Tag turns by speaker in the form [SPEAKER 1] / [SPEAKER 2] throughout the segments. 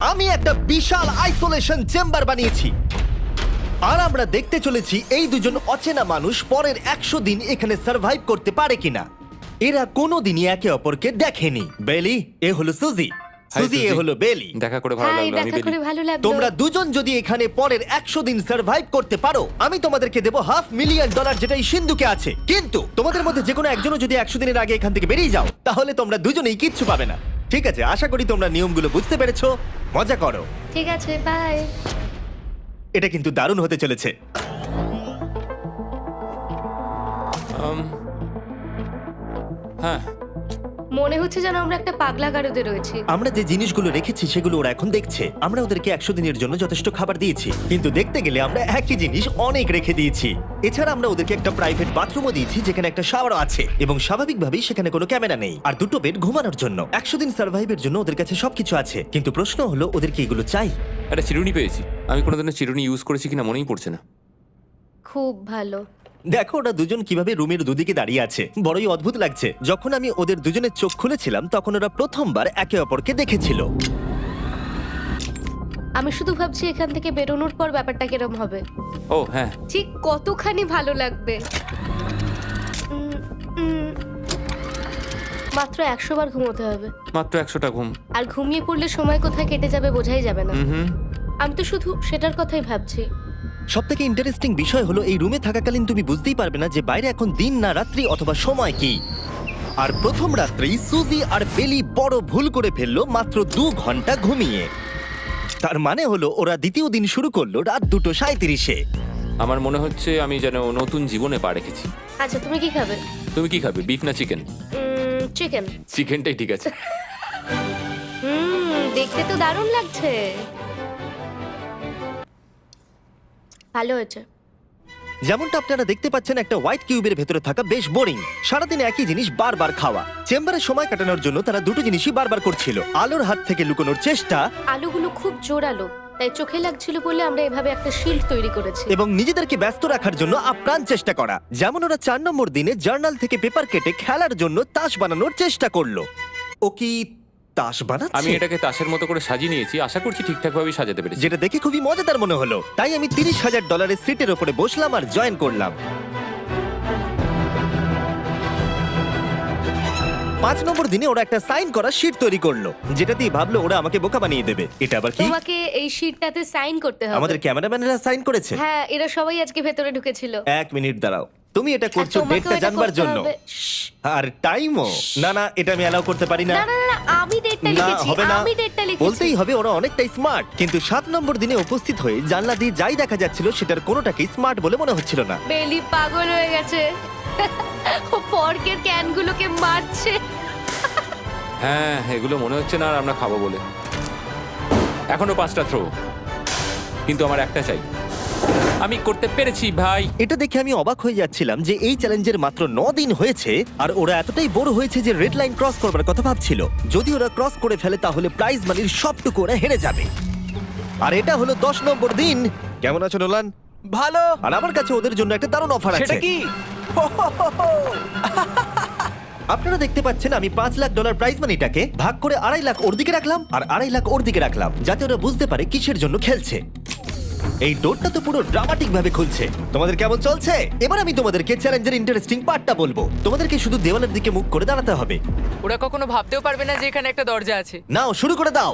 [SPEAKER 1] আমি একটা বিশাল isolation chamber বানিয়েছি আর আমরা দেখতে চলেছি এই দুজন অচেনা মানুষ পরের 100 দিন এখানে সার্ভাইভ করতে পারে কিনা। এরা কোনোদিনই একে অপরকে দেখেনি। বেলি, এ হলো সুজি, সুজি এ হলো বেলি।
[SPEAKER 2] দেখা করে ভালো
[SPEAKER 3] হাই,
[SPEAKER 2] লাগলো। আমি
[SPEAKER 3] দেখা করে ভালো লাগলো।
[SPEAKER 1] তোমরা দুজন যদি এখানে পরের 100 দিন সার্ভাইভ করতে পারো, আমি তোমাদেরকে দেবো $500,000 যেটা এই সিন্ধুকে আছে। কিন্তু তোমাদের মধ্যে যে কোনো একজনও যদি 100 দিনের আগে এখান থেকে বেরিয়ে যাও, তাহলে তোমরা দুজনেই কিচ্ছু পাবে না। ঠিক আছে, আশা করি তোমরা নিয়মগুলো বুঝতে পেরেছো। মজা করো।
[SPEAKER 3] ঠিক আছে, বাই।
[SPEAKER 1] এটা কিন্তু দারুণ হতে চলেছে।
[SPEAKER 2] হ্যাঁ,
[SPEAKER 3] মনে হচ্ছে যেন আমরা একটা পাগলা গারদে রয়েছি।
[SPEAKER 1] আমরা যে জিনিসগুলো রেখেছি সেগুলো ওরা এখন দেখছে। আমরা ওদেরকে 100 দিনের জন্য যথেষ্ট খাবার দিয়েছি, কিন্তু দেখতে গেলে আমরা একই জিনিস অনেক রেখে দিয়েছি। এছাড়া আমরা ওদেরকে একটা প্রাইভেট বাথরুমও দিয়েছি যেখানে একটা শাওয়ারও আছে, এবং স্বাভাবিকভাবেই সেখানে কোনো ক্যামেরা নেই, আর দুটো বেড ঘুমানোর জন্য। 100 দিন সার্ভাইভের জন্য ওদের কাছে সবকিছু আছে, কিন্তু প্রশ্ন হলো ওদেরকে এগুলো চাই।
[SPEAKER 2] একটা চিরুনি পেয়েছি। আমি কোনোদিনও চিরুনি ইউজ করেছি কিনা মনেই পড়ছে না।
[SPEAKER 3] খুব ভালো।
[SPEAKER 1] দেখো ওরা দুজন কিভাবে রুমের দুদিকে দাঁড়িয়ে আছে, বড়ই অদ্ভুত লাগছে। যখন আমি ওদের দুজনের চোখ খুলেছিলাম তখন ওরা প্রথমবার একে অপরকে দেখেছিল।
[SPEAKER 3] আমি শুধু ভাবছি এখান থেকে বেরোনোর পর ব্যাপারটা কিরম হবে।
[SPEAKER 2] ও হ্যাঁ,
[SPEAKER 3] ঠিক কতখানি ভালো লাগবে। মাত্র 100 বার ঘুমোতে হবে,
[SPEAKER 2] মাত্র 100টা ঘুম।
[SPEAKER 3] আর ঘুমিয়ে পড়লে সময় কোথায় কেটে যাবে বোঝাই যাবে না।
[SPEAKER 2] হুম।
[SPEAKER 3] আমি তো শুধু সেটার কথাই ভাবছি।
[SPEAKER 1] সবথেকে ইন্টারেস্টিং বিষয় হলো এই রুমে থাকাকালীন তুমি বুঝতেই পারবে না যে বাইরে এখন দিন না রাত্রি অথবা সময় কি। আর প্রথম রাত্রেই সুজি আর বেলি বড় ভুল করে ফেললো মাত্র 2 ঘন্টা ঘুমিয়ে। তার মানে হলো ওরা দ্বিতীয় দিন শুরু করলো রাত 2:37-এ।
[SPEAKER 2] আমার মনে হচ্ছে আমি যেন নতুন জীবনে পা রেখেছি।
[SPEAKER 3] আচ্ছা, তুমি কি খাবে?
[SPEAKER 2] তুমি কি খাবে, বিফ না চিকেন?
[SPEAKER 3] চিকেন।
[SPEAKER 2] চিকেনটাই ঠিক আছে।
[SPEAKER 3] দেখতে তো দারুণ লাগছে। ভালো হয়েছে।
[SPEAKER 1] যেমনটা আপনারা দেখতে পাচ্ছেন, একটা হোয়াইট কিউবের ভেতরে থাকা বেশ বোরিং। সারাদিন একই জিনিস বারবার খাওয়া। চেম্বারে সময় কাটানোর জন্য তারা দুটো জিনিসই বারবার করছিল: আলোর হাত থেকে লুকোনোর চেষ্টা
[SPEAKER 3] আলুগুলো খুব জোরালো, তাই চোখে লাগছিল বলে আমরা এভাবে একটা শিল্ড তৈরি করেছি।
[SPEAKER 1] এবং নিজেদেরকে ব্যস্ত রাখার জন্য আপ্রাণ চেষ্টা করা। যেমন ওরা 4 নম্বর দিনে জার্নাল থেকে পেপার কেটে খেলার জন্য তাস বানানোর চেষ্টা করলো। ও কি তাস বানাচ্ছে?
[SPEAKER 2] আমি এটাকে তাসের মতো করে সাজিয়ে নিয়েছি, আশা করছি ঠিকঠাকভাবেই সাজাতে পেরেছি।
[SPEAKER 1] যেটা দেখে খুবই মজাদার মনে হলো, তাই আমি $30,000 সিটের উপরে বসলাম আর জয়েন করলাম। 5 নম্বর দিনে ওরা একটা সাইন করা শিট তৈরি করলো, যেটা দিয়ে ভাবলো ওরা আমাকে বোকা বানিয়ে দেবে। এটা আবার কি?
[SPEAKER 3] তোমাকে এই শিটটাতে সাইন করতে হবে।
[SPEAKER 1] আমাদের ক্যামেরাম্যানেরা সাইন করেছে?
[SPEAKER 3] হ্যাঁ, এরা সবাই আজকে ভেতরে ঢুকেছিল।
[SPEAKER 1] 1 মিনিট দাঁড়াও, তুমি এটা
[SPEAKER 3] আর
[SPEAKER 1] করছো
[SPEAKER 3] তোমাকেও
[SPEAKER 1] ডেটটা
[SPEAKER 3] এটা
[SPEAKER 1] জানবার
[SPEAKER 3] করতে
[SPEAKER 1] জন্য?
[SPEAKER 3] হবে। শ্শ্।
[SPEAKER 1] আর টাইমও? না না, এটা আমি অ্যালাউ করতে পারি না।
[SPEAKER 3] না না না, আমি ডেটটা
[SPEAKER 1] না,
[SPEAKER 3] লিখেছি।
[SPEAKER 1] হবে না।
[SPEAKER 3] আমি ডেটটা লিখেছি।
[SPEAKER 1] বলতেই হবে ওরা অনেকটাই স্মার্ট, কিন্তু 7 নম্বর দিনে উপস্থিত হয়ে জানলা দিয়ে যাই দেখা যাচ্ছিল সেটার কোনোটাকেই স্মার্ট বলে মনে হচ্ছিল না।
[SPEAKER 3] বেলি পাগল হয়ে গেছে। ও পর্কের ক্যানগুলোকে মারছে।
[SPEAKER 2] হ্যাঁ, এগুলো মনে হচ্ছে না আর আমরা খাবো বলে। এখনো 5টা থ্রো, কিন্তু আমার একটা চাই। আমি করতে পেরেছি ভাই।
[SPEAKER 1] এটা দেখে আমি অবাক হয়ে যাচ্ছিলাম যে এই চ্যালেঞ্জের মাত্র 9 দিন হয়েছে আর ওরা এতটাই বড় হয়েছে যে রেড লাইন ক্রস করবার কথা ভাবছিল। যদি ওরা ক্রস করে ফেলে তাহলে প্রাইজ মানির সবটুকু ওরা হেরে যাবে। আর এটা হলো 10 নম্বর দিন। কেমন আছো নোলান?
[SPEAKER 4] ভালো।
[SPEAKER 1] আর আমার কাছে ওদের জন্য একটা দারুণ অফার আছে।
[SPEAKER 4] সেটা কি?
[SPEAKER 1] আপনারা দেখতে পাচ্ছেন আমি $5 লাখ প্রাইজ মানিটাকে ভাগ করে 2.5 লাখ ওর দিকে রাখলাম আর 2.5 লাখ ওর দিকে রাখলাম, যাতে ওরা বুঝতে পারে কিসের জন্য খেলছে। এই ডোরটা তো পুরো ড্রামাটিক ভাবে খুলছে। তোমাদের কেমন চলছে? এবার আমি তোমাদেরকে চ্যালেঞ্জের ইন্টারেস্টিং পার্টটা বলবো। তোমাদেরকে শুধু দেওয়ালের দিকে মুখ করে দাঁড়াতে হবে।
[SPEAKER 4] ওরা কখনো ভাবতেও পারবে না যে এখানে একটা দরজা আছে।
[SPEAKER 1] নাও শুরু করে দাও।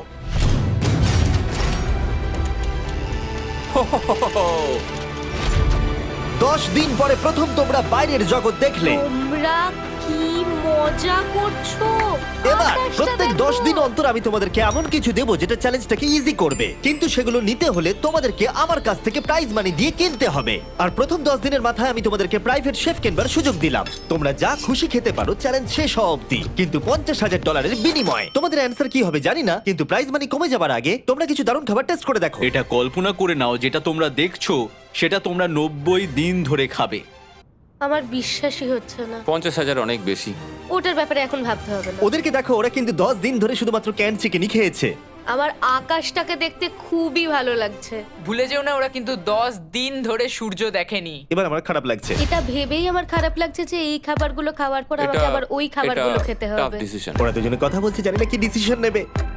[SPEAKER 1] দশ দিন পরে প্রথম তোমরা বাইরের জগৎ দেখলে।
[SPEAKER 3] তোমরা কি মজা করছো?
[SPEAKER 1] এবার
[SPEAKER 3] আকাশটা
[SPEAKER 1] প্রত্যেক
[SPEAKER 3] দেখো।
[SPEAKER 1] 10 দিন অন্তর আমি তোমাদেরকে এমন কিছু দেবো যেটা চ্যালেঞ্জটাকে ইজি করবে, কিন্তু সেগুলো নিতে হলে তোমাদেরকে আমার কাছ থেকে প্রাইজ মানি দিয়ে কিনতে হবে। আর প্রথম 10 দিনের মাথায় আমি তোমাদেরকে প্রাইভেট শেফ কেনবার সুযোগ দিলাম। তোমরা যা খুশি খেতে পারো চ্যালেঞ্জ শেষ হওয়া অব্দি, কিন্তু $50,000 বিনিময়ে। তোমাদের অ্যান্সার কি হবে জানি না, কিন্তু প্রাইজ মানি কমে যাবার আগে তোমরা কিছু দারুণ খাবার টেস্ট করে দেখো।
[SPEAKER 5] এটা কল্পনা করে নাও, যেটা তোমরা দেখছো সেটা তোমরা 90 দিন ধরে খাবে।
[SPEAKER 3] আমার বিশ্বাসই হচ্ছে না।
[SPEAKER 2] 50,000 অনেক বেশি।
[SPEAKER 3] ওটার ব্যাপারে এখন ভাবতে হবে না।
[SPEAKER 1] ওদেরকে দেখো, ওরা কিন্তু 10 দিন ধরে শুধুমাত্র ক্যান চিকেনই খেয়েছে।
[SPEAKER 3] আমার আকাশটাকে দেখতে খুবই ভালো লাগছে।
[SPEAKER 4] ভুলে যেও না, ওরা কিন্তু 10 দিন ধরে সূর্য দেখেনি।
[SPEAKER 1] এবার আমার খারাপ লাগছে।
[SPEAKER 3] এটা ভেবেই আমার খারাপ লাগছে যে এই খাবারগুলো খাওয়ার পর আমাকে আবার ওই খাবারগুলো খেতে
[SPEAKER 2] টাফ
[SPEAKER 3] হবে।
[SPEAKER 2] ডিসিশন।
[SPEAKER 1] ওরা দুজনে কথা বলছে, জানি না কি ডিসিশন নেবে।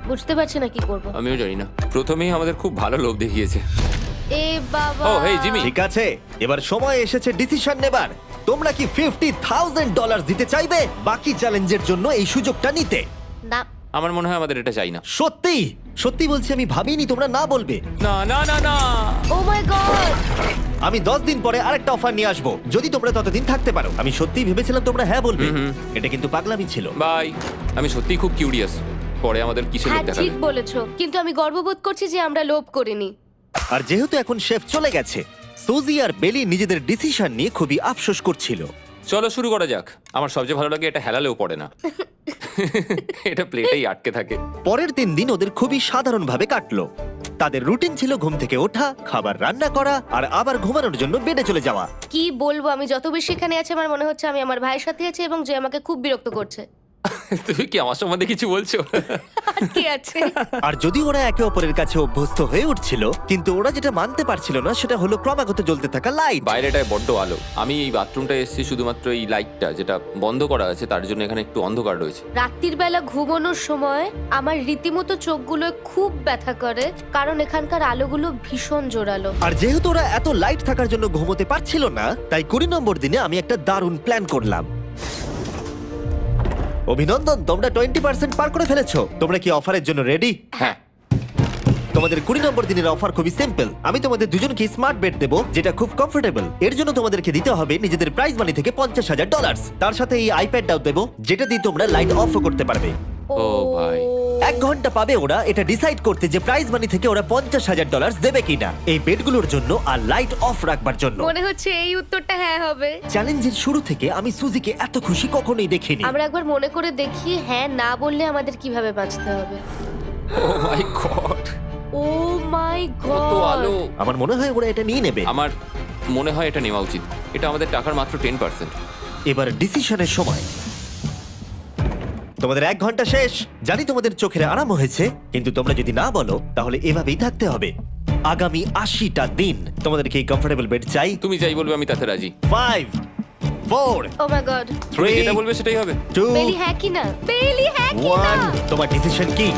[SPEAKER 3] বুঝতে পারছি না কি করব।
[SPEAKER 2] আমিও জানি না, প্রথমেই আমাদের খুব ভালো লোভ দেখিয়েছে।
[SPEAKER 3] এ বাবা।
[SPEAKER 2] Oh, hey, Jimmy.
[SPEAKER 1] ঠিক আছে, এবার সময় এসেছে ডিসিশন নেবার। তোমরা কি $50,000 দিতে চাইবে বাকি চ্যালেঞ্জের জন্য এই সুযোগটা নিতে?
[SPEAKER 3] না।
[SPEAKER 2] আমার মনে হয় আমাদের এটা চাই না।
[SPEAKER 1] সত্যি সত্যি বলছি, আমি ভাবিনি তোমরা না বলবে।
[SPEAKER 2] না না না না।
[SPEAKER 3] Oh my God.
[SPEAKER 1] আমি 10 দিন পরে আরেকটা অফার নিয়ে আসবো, যদি তোমরা ততদিন থাকতে পারো। আমি সত্যিই ভেবেছিলাম তোমরা হ্যাঁ বলবে। এটা কিন্তু পাগলামি ছিল।
[SPEAKER 2] বাই। আমি সত্যিই খুব কিউরিয়াস, পরে আমাদের কিসের
[SPEAKER 3] হ্যাঁ
[SPEAKER 2] লোভ দেখাবে।
[SPEAKER 3] ঠিক বলেছো, কিন্তু আমি গর্ববোধ করছি যে আমরা লোভ করিনি।
[SPEAKER 1] আর যেহেতু এখন শেফ চলে গেছে, সুজি আর বেলি নিজেদের ডিসিশন নিয়ে খুবই আফসোস করছিল।
[SPEAKER 2] চলো শুরু করা যাক। আমার সবচেয়ে ভালো লাগে এটা হেলালেও পড়ে না। এটা প্লেটেই আটকে থাকে।
[SPEAKER 1] পরের 3 দিন ওদের খুবই সাধারণভাবে কাটলো। তাদের রুটিন ছিল ঘুম থেকে ওঠা, খাবার রান্না করা আর আবার ঘুমানোর জন্য বেডে চলে যাওয়া।
[SPEAKER 3] কি বলবো, আমি যত বেশি এখানে আছি আমার মনে হচ্ছে আমি আমার ভাইয়ের সাথে আছি এবং যে আমাকে খুব বিরক্ত করছে।
[SPEAKER 2] তুমি কি আমার সম্বন্ধে কিছু বলছো?
[SPEAKER 3] আর কি আছে?
[SPEAKER 1] আর যদি ওরা একে অপরের কাছে অভ্যস্ত হয়ে উঠছিল, কিন্তু ওরা যেটা মানতে পারছিল না সেটা হলো ক্রমাগত জ্বলতে থাকা লাইট।
[SPEAKER 2] বাইরেটায় বড্ড আলো। আমি এই বাথরুমটা এসেছি শুধুমাত্র এই লাইটটা যেটা বন্ধ করা আছে তার জন্য এখানে একটু অন্ধকার রয়েছে।
[SPEAKER 3] রাত্রির বেলা ঘুমানোর সময় আমার রীতিমতো চোখগুলো খুব ব্যথা করে, কারণ এখানকার আলোগুলো ভীষণ জোরালো।
[SPEAKER 1] আর যেহেতু ওরা এত লাইট থাকার জন্য ঘুমোতে পারছিল না, তাই 20 নম্বর দিনে আমি একটা দারুণ প্ল্যান করলাম। অভিনন্দন, তোমরা 20% পার করে ফেলেছো। তোমরা কি অফারের জন্য রেডি?
[SPEAKER 2] হ্যাঁ।
[SPEAKER 1] তোমাদের 20 নম্বর দিনের অফার খুবই সিম্পল। আমি তোমাদের দুজনকে স্মার্ট বেড দেবো, যেটা খুব কমফোর্টেবল। এর জন্য তোমাদেরকে দিতে হবে নিজেদের প্রাইজ মানি থেকে $50,000। তার সাথে এই আইপ্যাডটাও দেবো, যেটা দিয়ে তোমরা লাইট অফও করতে পারবে।
[SPEAKER 2] ও ভাই।
[SPEAKER 1] 1 ঘন্টা পাবে ওরা এটা ডিসাইড করতে যে প্রাইজ মানি থেকে ওরা $50,000 দেবে কিনা এই বেডগুলোর জন্য আর লাইট অফ রাখবার জন্য।
[SPEAKER 3] মনে হচ্ছে এই উত্তরটা হ্যাঁ হবে।
[SPEAKER 1] চ্যালেঞ্জের শুরু থেকে আমি সুজিকে এত খুশি কখনোই দেখিনি।
[SPEAKER 3] আমরা একবার মনে করে দেখি হ্যাঁ না বললে আমাদের কিভাবে বাঁচতে হবে।
[SPEAKER 2] ও মাই গড।
[SPEAKER 3] ও মাই
[SPEAKER 2] কত আলো।
[SPEAKER 3] গড।
[SPEAKER 1] আমার মনে হয় ওরা এটা নিয়ে নেবে।
[SPEAKER 2] আমার মনে হয় এটা নেওয়া উচিত। এটা আমাদের টাকার মাত্র 10%।
[SPEAKER 1] এবার ডিসিশনের সময়। তোমাদের 1 ঘন্টা শেষ। জানি তোমাদের চোখের আরাম হয়েছে, কিন্তু তোমরা যদি না বলো তাহলে এভাবেই থাকতে হবে আগামী 80টা দিন। তোমাদেরকে এই কমফোর্টেবল বেড চাই।
[SPEAKER 2] তুমি যাই বলবে আমি তাতে রাজি।
[SPEAKER 1] 5 4
[SPEAKER 3] ও মাই গড।
[SPEAKER 2] তুমি
[SPEAKER 1] 3
[SPEAKER 2] যেটা বলবে সেটাই হবে।
[SPEAKER 1] 2
[SPEAKER 3] বেলি হ্যাঁ কি না? বেলি হ্যাঁ কি না?
[SPEAKER 1] 1 তোমার ডিসিশন কি?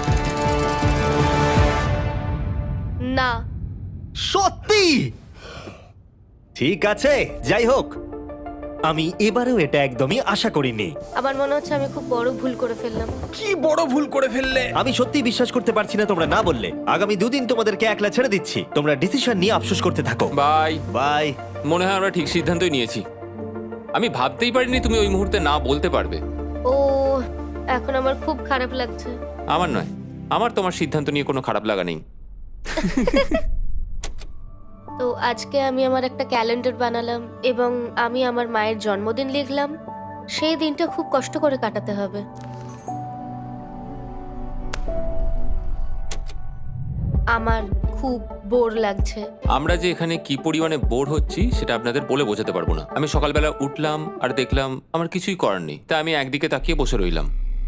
[SPEAKER 3] না।
[SPEAKER 1] সত্যি? ঠিক আছে, যাই হোক, আমি এবারেও এটা একদমই আশা করিনি।
[SPEAKER 3] আমার মনে হচ্ছে আমি খুব বড় ভুল করে ফেললাম।
[SPEAKER 5] কি বড় ভুল করে ফেললে।
[SPEAKER 1] আমি সত্যি বিশ্বাস করতে পারছি না তোমরা না বললে। আগামী 2 দিন তোমাদেরকে একলা ছেড়ে দিচ্ছি। তোমরা ডিসিশন নিয়ে আফসোস করতে থাকো।
[SPEAKER 2] বাই।
[SPEAKER 1] বাই।
[SPEAKER 2] মনে হয় আমরা ঠিক সিদ্ধান্তই নিয়েছি। আমি ভাবতেই পারিনি তুমি ওই মুহূর্তে না বলতে পারবে।
[SPEAKER 3] ও, এখন আমার খুব খারাপ লাগছে।
[SPEAKER 2] আমার নয়, আমার তোমার সিদ্ধান্ত নিয়ে কোনো খারাপ লাগা নেই।
[SPEAKER 3] তো আজকে আমি আমার একটা ক্যালেন্ডার বানালাম এবং আমি আমার মায়ের জন্মদিন লিখলাম। সেই দিনটা খুব কষ্ট করে কাটাতে হবে। আমার খুব বোর লাগছে।
[SPEAKER 2] আমরা যে এখানে কি পরিমাণে বোর হচ্ছি সেটা আপনাদের বলে বোঝাতে পারবো না। আমি সকালবেলা উঠলাম আর দেখলাম আমার কিছুই করার নেই, তাই আমি একদিকে তাকিয়ে বসে রইলাম।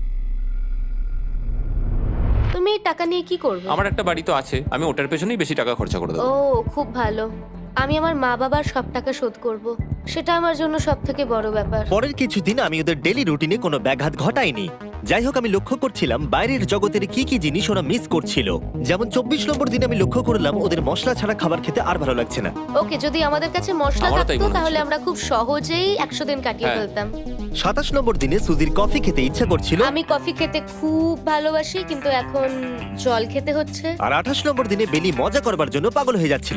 [SPEAKER 3] তুমি এই টাকা নিয়ে কি করবে?
[SPEAKER 2] আমার একটা বাড়ি তো আছে, আমি ওটার পেছনেই বেশি টাকা খরচা করে
[SPEAKER 3] ও
[SPEAKER 2] দেবো।
[SPEAKER 3] খুব ভালো। আমি আমার মা বাবার সব টাকা শোধ করব। সেটা আমার জন্য সব থেকে বড় ব্যাপার।
[SPEAKER 1] পরের কিছুদিন আমি ওদের ডেলি রুটিনে কোনো ব্যাঘাত ঘটাইনি। যাই হোক, আমি লক্ষ্য করছিলাম বাইরের জগতের কি কি জিনিস ওরা মিস করছিল। যেমন 24 নম্বর দিনে আমি লক্ষ্য করলাম ওদের মশলা ছাড়া খাবার খেতে আর ভালো লাগছে না।
[SPEAKER 3] ওকে, যদি আমাদের কাছে মশলা
[SPEAKER 2] আমারও তাই
[SPEAKER 3] থাকতো
[SPEAKER 2] মনে
[SPEAKER 3] তাহলে
[SPEAKER 2] হচ্ছে।
[SPEAKER 3] আমরা খুব সহজেই 100 দিন কাটিয়ে
[SPEAKER 2] হ্যাঁ।
[SPEAKER 3] ফেলতাম।
[SPEAKER 1] 27 নম্বর দিনে সুজির কফি খেতে ইচ্ছা করছিল,
[SPEAKER 3] আমি কফি খেতে খুব ভালোবাসি, কিন্তু এখন জল খেতে হচ্ছে।
[SPEAKER 1] আর 28 নম্বর দিনে বেলি মজা করবার জন্য পাগল হয়ে যাচ্ছিল।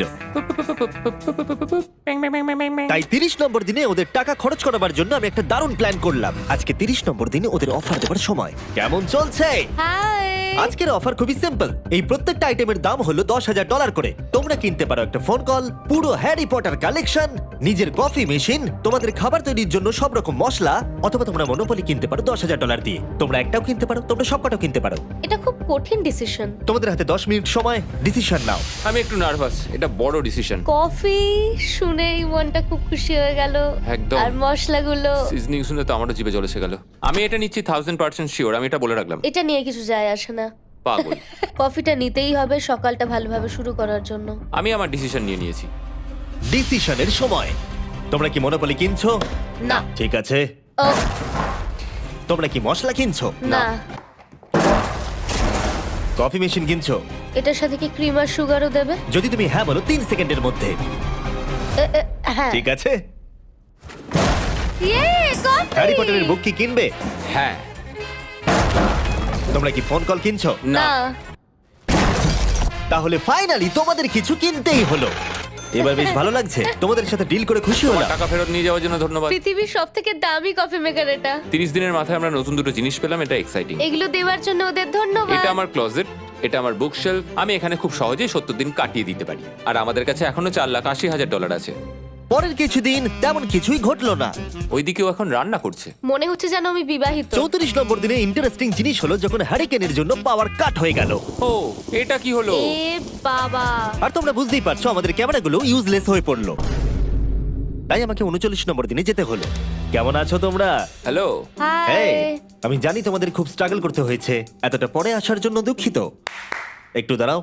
[SPEAKER 1] তাই 30 নম্বর দিনে ওদের টাকা খরচ করাবার জন্য আমি একটা দারুণ প্ল্যান করলাম। আজকে 30 নম্বর দিনে ওদের অফার দেবার সময়। কেমন চলছে?
[SPEAKER 3] হাই।
[SPEAKER 1] আজকের অফার খুবই সিম্পল। এই প্রত্যেকটা আইটেমের দাম হলো $10,000 করে। তোমরা কিনতে পারো একটা ফোন কল, পুরো হ্যারি পটার কালেকশন, নিজের কফি মেশিন, তোমাদের খাবার তৈরির জন্য সব রকম মশলা, অথবা তোমরা মনোপলি কিনতে পারো $10,000 দিয়ে। তোমরা একটাও কিনতে পারো, তোমরা সবকটাও কিনতে পারো।
[SPEAKER 3] এটা খুব কঠিন ডিসিশন।
[SPEAKER 1] তোমাদের হাতে 10 মিনিট সময়, ডিসিশন নাও।
[SPEAKER 2] আমি একটু নার্ভাস, এটা বড় ডিসিশন।
[SPEAKER 3] কফি শুনেই মনটা খুব খুশি হয়ে গেল।
[SPEAKER 2] একদম।
[SPEAKER 3] আর মশলাগুলো,
[SPEAKER 2] সিজনিং শুনে তো আমারও জিভে জল এসে গেল। আমি এটা নিচ্ছি 1000% শিওর, আমি এটা বলে রাখলাম।
[SPEAKER 3] এটা নিয়ে কিছু যায় আসে না।
[SPEAKER 2] পাগল।
[SPEAKER 3] কফিটা নিতেই হবে সকালটা ভালোভাবে শুরু করার জন্য।
[SPEAKER 2] আমি আমার ডিসিশন নিয়ে নিয়েছি।
[SPEAKER 1] ডিসিশনের সময়। তোমরা কি মনোপলি কিনছো?
[SPEAKER 3] না।
[SPEAKER 1] ঠিক আছে।
[SPEAKER 3] ও,
[SPEAKER 1] তোমরা কি মশলা কিনছো?
[SPEAKER 3] না।
[SPEAKER 1] কফি মেশিন কিনছো?
[SPEAKER 3] এটার সাথে কি ক্রিম আর সুগারও দেবে?
[SPEAKER 1] যদি তুমি হ্যাঁ বলো 3 সেকেন্ডের মধ্যে।
[SPEAKER 3] হ্যাঁ।
[SPEAKER 1] ঠিক আছে।
[SPEAKER 3] ইয়ে, কফি!
[SPEAKER 1] হ্যারি পটারের বুক কি কিনবে?
[SPEAKER 2] হ্যাঁ।
[SPEAKER 1] তোমরা কি ফোন কল কিনছো?
[SPEAKER 3] না।
[SPEAKER 1] তাহলে ফাইনালি তোমাদের কিছু কিনতেই হলো। এবার বেশ ভালো লাগছে। তোমাদের সাথে ডিল করে খুশি
[SPEAKER 2] তোমার
[SPEAKER 1] হলাম।
[SPEAKER 2] টাকা ফেরত নিয়ে যাওয়ার জন্য ধন্যবাদ।
[SPEAKER 3] পৃথিবীর সবথেকে দামি কফি মেকার এটা।
[SPEAKER 2] 30 দিনের মাথায় আমরা নতুন দুটো জিনিস পেলাম, এটা এক্সাইটিং।
[SPEAKER 3] এগুলো দেওয়ার জন্য ওদের ধন্যবাদ।
[SPEAKER 2] এটা আমার ক্লোজেট, এটা আমার বুক শেলফ। আমি এখানে খুব সহজেই 70 দিন কাটিয়ে দিতে পারি। আর আমাদের কাছে এখনো $4,80,000 আছে।
[SPEAKER 1] পরের কিছুদিন তেমন কিছুই ঘটলো না।
[SPEAKER 2] ওইদিকেও এখন রান্না করছে।
[SPEAKER 3] মনে হচ্ছে যেন আমি বিবাহিত।
[SPEAKER 1] 34 নম্বর দিনে ইন্টারেস্টিং জিনিস হলো যখন হ্যারিকেনের জন্য পাওয়ার কাট হয়ে গেল।
[SPEAKER 2] ও, এটা কি হলো?
[SPEAKER 3] এ বাবা!
[SPEAKER 1] আর তোমরা বুঝতেই পারছো আমাদের ক্যামেরাগুলো ইউজলেস হয়ে পড়লো। তাই আমাকে 39 নম্বর দিনে যেতে হলো। কেমন আছো তোমরা?
[SPEAKER 2] হ্যালো।
[SPEAKER 3] হাই।
[SPEAKER 1] হেই, আমি জানি তোমাদের খুব স্ট্রাগল করতে হয়েছে। এতটা পরে আসার জন্য দুঃখিত। একটু দাঁড়াও।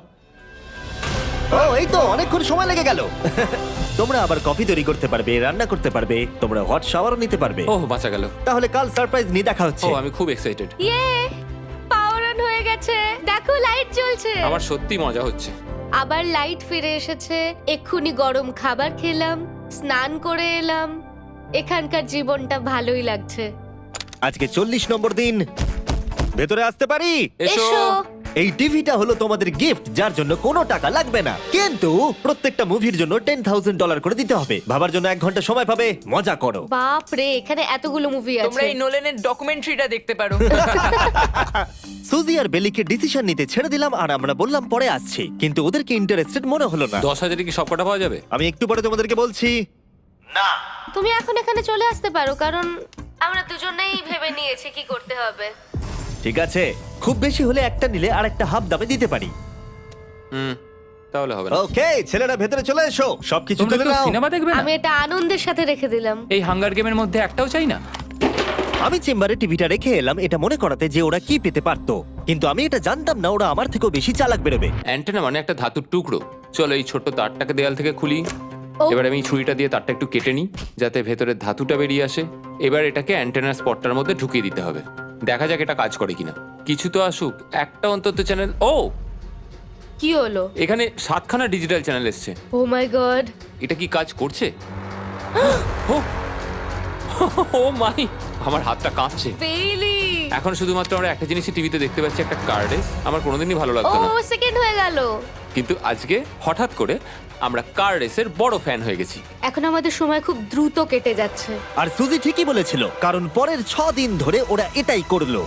[SPEAKER 1] ও, এই তো অনেকক্ষণ সময় লেগে গেল। তোমরা আবার কফি তৈরি করতে পারবে, রান্না করতে পারবে, তোমরা হট শাওয়ারও নিতে পারবে।
[SPEAKER 2] ও, বাঁচা গেল।
[SPEAKER 1] তাহলে কাল সারপ্রাইজ নিয়ে দেখা
[SPEAKER 2] ও,
[SPEAKER 1] হচ্ছে।
[SPEAKER 2] আমি খুব এক্সাইটেড।
[SPEAKER 3] ইয়ে! পাওয়ার অন হয়ে গেছে। দেখো লাইট জ্বলছে।
[SPEAKER 2] আমার সত্যি মজা হচ্ছে।
[SPEAKER 3] আবার লাইট ফিরে এসেছে। এক্ষুনি গরম খাবার খেলাম, স্নান করে এলাম। এখানকার জীবনটা ভালোই লাগছে।
[SPEAKER 1] আজকে 40 নম্বর দিন। ভেতরে আসতে পারি?
[SPEAKER 2] এসো।
[SPEAKER 3] এসো।
[SPEAKER 1] এই টিভিটা হলো তোমাদের গিফট, যার জন্য কোনো টাকা লাগবে না, কিন্তু প্রত্যেকটা মুভির জন্য $10,000 করে দিতে হবে। ভাবার জন্য 1 ঘন্টা সময় পাবে। মজা করো।
[SPEAKER 3] বাপ রে, এখানে এতগুলো মুভি
[SPEAKER 4] তোমরা
[SPEAKER 3] আছে।
[SPEAKER 4] এই নোলেনের ডকুমেন্টারিটা দেখতে পারো।
[SPEAKER 1] সুজি আর বেলিকে ডিসিশন নিতে ছেড়ে দিলাম আর আমরা বললাম পরে আসছি, কিন্তু ওদেরকে ইন্টারেস্টেড মনে হলো না।
[SPEAKER 2] 10,000 কি সবকটা পাওয়া যাবে?
[SPEAKER 1] আমি একটু পরে তোমাদেরকে বলছি। না,
[SPEAKER 3] তুমি এখন এখানে চলে আসতে পারো, কারণ আমরা দুজনেই ভেবে নিয়েছি কি করতে হবে।
[SPEAKER 1] ঠিক আছে, খুব বেশি হলে একটা নিলে আর একটা হাফ দামে দিতে পারি।
[SPEAKER 2] তাহলে হবে না।
[SPEAKER 1] ওকে, ছেলেরা ভেতরে চলে এসো, সবকিছু
[SPEAKER 6] তোমরা
[SPEAKER 1] তুলে
[SPEAKER 6] কেউ
[SPEAKER 1] নাও।
[SPEAKER 6] সিনেমা দেখবে না?
[SPEAKER 3] আমি এটা আনন্দের সাথে রেখে দিলাম।
[SPEAKER 6] এই হাঙ্গার গেমের মধ্যে একটাও চাই না।
[SPEAKER 1] আমি চেম্বারে টিভিটা রেখে এলাম এটা মনে করাতে যে ওরা কি পেতে পারতো, কিন্তু আমি এটা জানতাম না ওরা আমার থেকেও বেশি চালাক বেরোবে।
[SPEAKER 2] অ্যান্টেনা মানে একটা ধাতুর টুকরো। চলো এই ছোট্ট তারটাকে দেয়াল থেকে খুলি।
[SPEAKER 3] ও।
[SPEAKER 2] এবার আমি ছুরিটা দিয়ে তারটা একটু কেটে নিই যাতে ভেতরের ধাতুটা বেরিয়ে আসে। এবার এটাকে অ্যান্টেনার স্পটটার মধ্যে ঢুকিয়ে দিতে হবে। দেখা যাক এটা কাজ করে কিনা। কিছু তো আসুক, একটা অন্তত চ্যানেল। ও,
[SPEAKER 3] কি হলো?
[SPEAKER 2] এখানে 7খানা ডিজিটাল চ্যানেল এসছে।
[SPEAKER 3] Oh my God!
[SPEAKER 2] এটা কি কাজ করছে? ও, ও মাই, আমার হাতটা কাঁপছে।
[SPEAKER 3] বেইলি!
[SPEAKER 2] এখন শুধুমাত্র আমরা একটা জিনিসই টিভিতে দেখতে পাচ্ছি, একটা কার্ডে। আমার কোনোদিনই ভালো
[SPEAKER 3] ও
[SPEAKER 2] লাগতো না,
[SPEAKER 3] সেকেন্ড হয়ে গেল।
[SPEAKER 2] কিন্তু আজকে হঠাৎ করে আমরা কার রেসের বড় ফ্যান হয়ে গেছি।
[SPEAKER 3] এখন আমাদের সময় খুব দ্রুত কেটে যাচ্ছে।
[SPEAKER 1] আর সুজি ঠিকই বলেছিল, কারণ পরের 6 দিন ধরে ওরা এটাই করলো।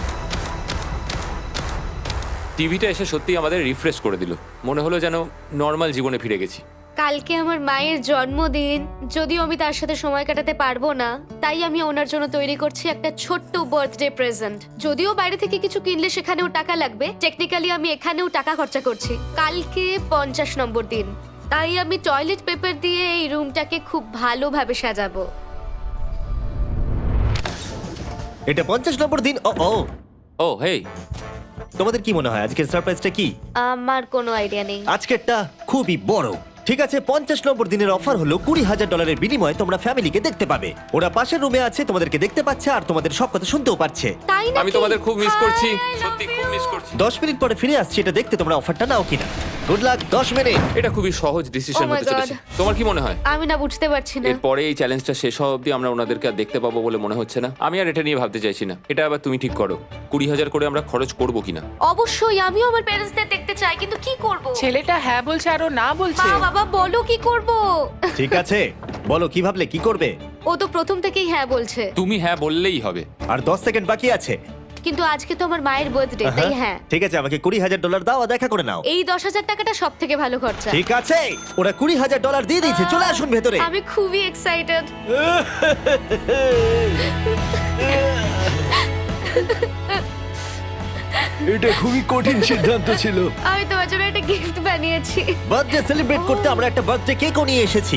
[SPEAKER 2] টিভিটা এসে সত্যি আমাদের রিফ্রেশ করে দিল। মনে হলো যেন নর্মাল জীবনে ফিরে গেছি।
[SPEAKER 3] কালকে আমার মায়ের জন্মদিন, যদিও আমি তার সাথে সময় কাটাতে পারবো না, তাই আমি ওনার জন্য তৈরি করছি একটা ছোট্ট বার্থডে প্রেজেন্ট। যদিও বাইরে থেকে কিছু কিনলে সেখানেও টাকা লাগবে, টেকনিক্যালি আমি এখানেও টাকা খরচা করছি। কালকে 50 নম্বর দিন, তাই আমি টয়লেট পেপার দিয়ে এই রুমটাকে খুব ভালোভাবে সাজাবো।
[SPEAKER 1] এটা 50 নম্বর দিন। ও ও,
[SPEAKER 2] ও হেই,
[SPEAKER 1] তোমাদের কি মনে হয় আজকের সারপ্রাইজটা কি?
[SPEAKER 3] আমার কোনো আইডিয়া নেই।
[SPEAKER 1] আজকেরটা খুবই বড়। ঠিক আছে, 50 নম্বর দিনের অফার হলো $20,000 বিনিময়ে তোমরা ফ্যামিলিকে দেখতে পাবে। ওরা পাশের রুমে আছে, তোমাদেরকে দেখতে পাচ্ছে আর তোমাদের সব কথা শুনতেও পাচ্ছে।
[SPEAKER 3] তাই না?
[SPEAKER 2] আমি তোমাদের খুব মিস করছি, সত্যি খুব মিস করছি।
[SPEAKER 1] 10 মিনিট পরে ফিরে আসছি এটা দেখতে তোমরা অফারটা নাও কিনা। Good luck. 10 মিনিট।
[SPEAKER 2] এটা খুবই সহজ ডিসিশন
[SPEAKER 3] Oh my
[SPEAKER 2] হতে চলেছে।
[SPEAKER 3] God.
[SPEAKER 2] তোমার কি মনে হয়?
[SPEAKER 3] আমি না বুঝতে পারছি না।
[SPEAKER 2] এরপরে এই চ্যালেঞ্জটা শেষ হওয়া অবধি আমরা ওনাদেরকে আর দেখতে পাবো বলে মনে হচ্ছে না। আমি আর এটা নিয়ে ভাবতে চাইছি না। এটা আবার তুমি ঠিক করো, 20,000 করে আমরা খরচ করবো কিনা।
[SPEAKER 3] অবশ্যই আমিও আমার প্যারেন্টসদের দেখতে চাই, কিন্তু কি করব?
[SPEAKER 4] ছেলেটা হ্যাঁ বলছে আর ও না বলছে।
[SPEAKER 3] মা বাবা বলো কি করব?
[SPEAKER 1] ঠিক আছে, বলো কি ভাবলে, কি করবে?
[SPEAKER 3] ও তো প্রথম থেকেই হ্যাঁ বলছে,
[SPEAKER 2] তুমি হ্যাঁ বললেই হবে।
[SPEAKER 1] আর 10 সেকেন্ড বাকি আছে।
[SPEAKER 3] কিন্তু আজকে তো আমার মায়ের বার্থডে, তাই হ্যাঁ।
[SPEAKER 1] ঠিক আছে, আমাকে $20,000 দাও আর দেখা করে নাও।
[SPEAKER 3] এই 10,000 টাকাটা সব থেকে ভালো খরচা।
[SPEAKER 1] ঠিক আছে, ওরা $20,000 দিয়ে দিয়েছে। চলে আসুন ভেতরে।
[SPEAKER 3] আমি খুবই এক্সাইটেড।
[SPEAKER 1] এটা খুবই কঠিন সিদ্ধান্ত ছিল।
[SPEAKER 3] আমি তোমার জন্য একটা গিফট বানিয়েছি।
[SPEAKER 1] বার্থডে সেলিব্রেট করতে আমরা একটা বার্থডে কেকও নিয়ে এসেছি।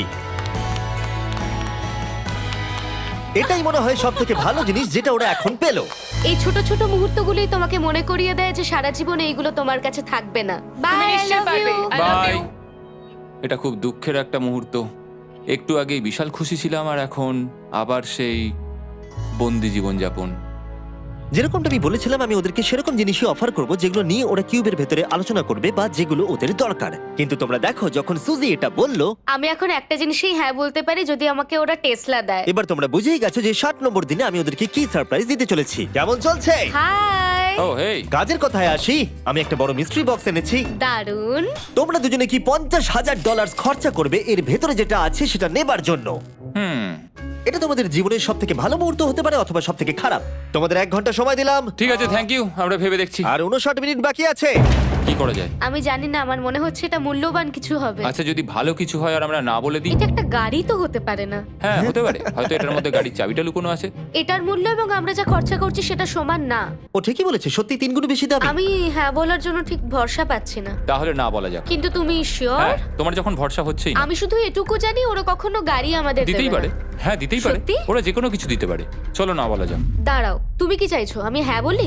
[SPEAKER 1] এটাই মনে হয় সব থেকে ভালো জিনিস যেটা ওরা এখন পেলো।
[SPEAKER 3] এই ছোট ছোট মুহূর্তগুলোই তোমাকে মনে করিয়ে দেয় যে সারা জীবন এইগুলো তোমার কাছে থাকবে না। বাই,
[SPEAKER 4] তুমি
[SPEAKER 3] আই
[SPEAKER 4] নিশ্চয়ই
[SPEAKER 3] লাভ
[SPEAKER 4] পারবে।
[SPEAKER 3] You.
[SPEAKER 4] I love
[SPEAKER 2] bye.
[SPEAKER 4] you.
[SPEAKER 2] এটা খুব দুঃখের একটা মুহূর্ত। একটু আগেই বিশাল খুশি ছিলাম আর এখন আবার সেই বন্দি জীবনযাপন।
[SPEAKER 1] যেরকমটা আমি বলেছিলাম, আমি ওদেরকে সেরকম জিনিসই অফার করব যেগুলো নিয়ে ওরা কিউবের ভেতরে আলোচনা করবে বা যেগুলো ওদের দরকার। কিন্তু তোমরা দেখো, যখন সুজি এটা বললো,
[SPEAKER 3] আমি এখন একটা জিনিসই হ্যাঁ বলতে পারি, যদি আমাকে ওরা টেসলা দেয়।
[SPEAKER 1] এবার তোমরা বুঝেই গেছো যে 60 নম্বর দিনে আমি ওদেরকে কি সারপ্রাইজ দিতে চলেছি। কেমন চলছে?
[SPEAKER 3] হাই,
[SPEAKER 2] ও হেই,
[SPEAKER 1] কাজের কথায় আসি, আমি একটা বড় মিস্ট্রি বক্স এনেছি।
[SPEAKER 3] দারুন।
[SPEAKER 1] তোমরা দুজনে কি $50,000 খরচা করবে এর ভেতরে যেটা আছে সেটা নেবার জন্য? এটা তোমাদের জীবনের সব থেকে ভালো মুহূর্ত হতে পারে অথবা সব থেকে খারাপ। তোমাদের 1 ঘন্টা সময় দিলাম
[SPEAKER 2] ঠিক আছে, থ্যাংক ইউ, আমরা ভেবে দেখছি
[SPEAKER 1] আর 59 মিনিট বাকি আছে।
[SPEAKER 2] কি করা যায়।
[SPEAKER 3] আমি জানি না, আমার মনে হচ্ছে এটা মূল্যবান কিছু হবে।
[SPEAKER 2] আচ্ছা, যদি ভালো কিছু হয় আর আমরা না বলে দিই?
[SPEAKER 3] এটা একটা গাড়ি তো হতে পারে না।
[SPEAKER 2] হ্যাঁ, হতে পারে, হয়তো এটার মধ্যে গাড়ির চাবিটা লুকোনো আছে।
[SPEAKER 3] এটার মূল্য এবং আমরা যা খরচা করছি সেটা সমান না।
[SPEAKER 1] ও ঠিকই বলেছে, সত্যি 3 গুণ বেশি দামি।
[SPEAKER 3] আমি হ্যাঁ বলার জন্য ঠিক ভরসা পাচ্ছি না।
[SPEAKER 2] তাহলে না বলা যাক।
[SPEAKER 3] কিন্তু তুমি শিওর?
[SPEAKER 2] হ্যাঁ, তোমার যখন ভরসা হচ্ছেই না।
[SPEAKER 3] আমি শুধু এটুকু জানি, ওরা কখনো গাড়ি আমাদের
[SPEAKER 2] দিতেই
[SPEAKER 3] দেবে
[SPEAKER 2] পারে।
[SPEAKER 3] না।
[SPEAKER 2] হ্যাঁ, দিতেই পারে।
[SPEAKER 3] সত্যি?
[SPEAKER 2] ওরা যে কোনো কিছু দিতে পারে। চলো না বলা যাক।
[SPEAKER 3] দাঁড়াও, তুমি কি চাইছো আমি হ্যাঁ বলি?